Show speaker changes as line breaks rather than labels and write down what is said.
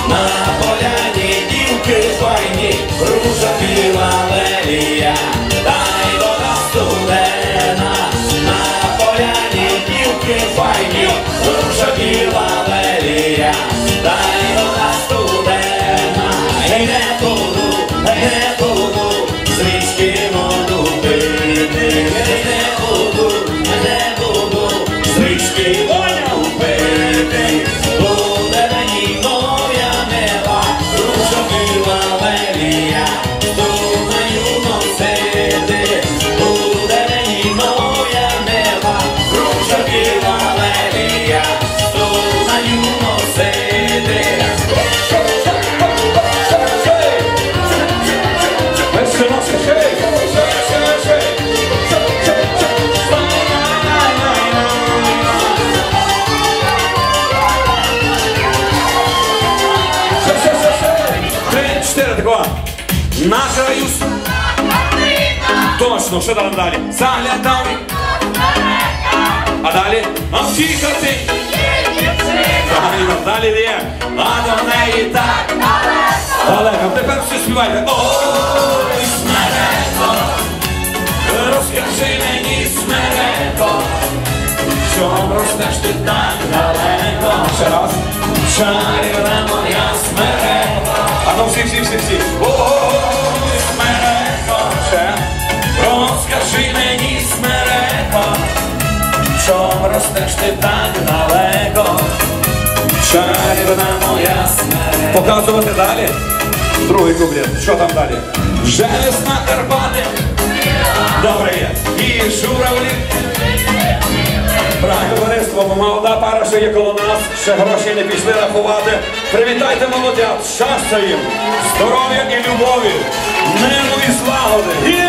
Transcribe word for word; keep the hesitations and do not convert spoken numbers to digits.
на поляні дівки файні, ружа біла лелія, та й вода студена. На поляні дівки файні, ружа біла лелія, та й вода студена. Ей, не буду, не буду з річки воду пити, не буду, не буду з річки воду пити. Буде мені моя мила, ружа біла лелія, думаю носити. Буде мені моя мила, ружа біла лелія, думаю носити.
Наша Юс. Точно, що там далі? Заглядав. А далі? Амфікати. Далі є. А до неї так. Далеко. Тепер всі співайте. Ой, Смереко, розкажи мені, Смереко, чом ростеш ти так далеко? Ще раз. Чарівна моя Смереко. А ну всі, всі, всі, всі. Ой, Смереко, ще. Розкажи мені, Смереко, чом ростеш ти так далеко? Чарівна моя Смереко. Показувати далі? Другий куплет. Що там далі? Вже весна Карпати. Добре є. І журавлі. Брак товариство, молода пара, що є коло нас, ще гроші не пішли рахувати. Привітайте молодят, щастя їм, здоров'я і любові, миру і злагоди.